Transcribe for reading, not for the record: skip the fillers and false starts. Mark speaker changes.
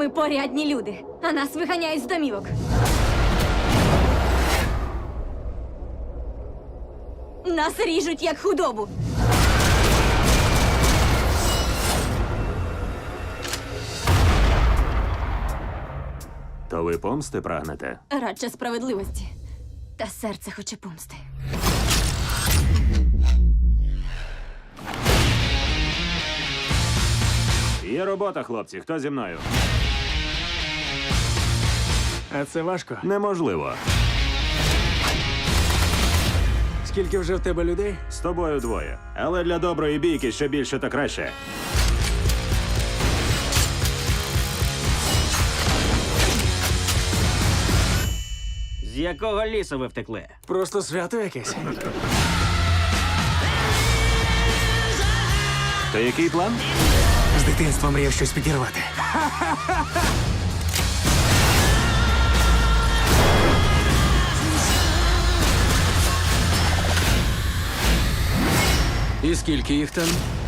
Speaker 1: Ми порядні люди, а нас виганяють з домівок. Нас ріжуть як худобу.
Speaker 2: То ви помсти прагнете?
Speaker 1: Радше справедливості. Та серце хоче помсти.
Speaker 2: Є робота, хлопці. Хто зі мною?
Speaker 3: А це важко.
Speaker 2: Неможливо.
Speaker 3: Скільки вже в тебе людей?
Speaker 2: З тобою двоє. Але для доброї бійки що більше, то краще.
Speaker 4: З якого лісу ви втекли?
Speaker 3: Просто свято якесь.
Speaker 2: То який план?
Speaker 3: З дитинства мріяв щось підірвати. І скільки їх там?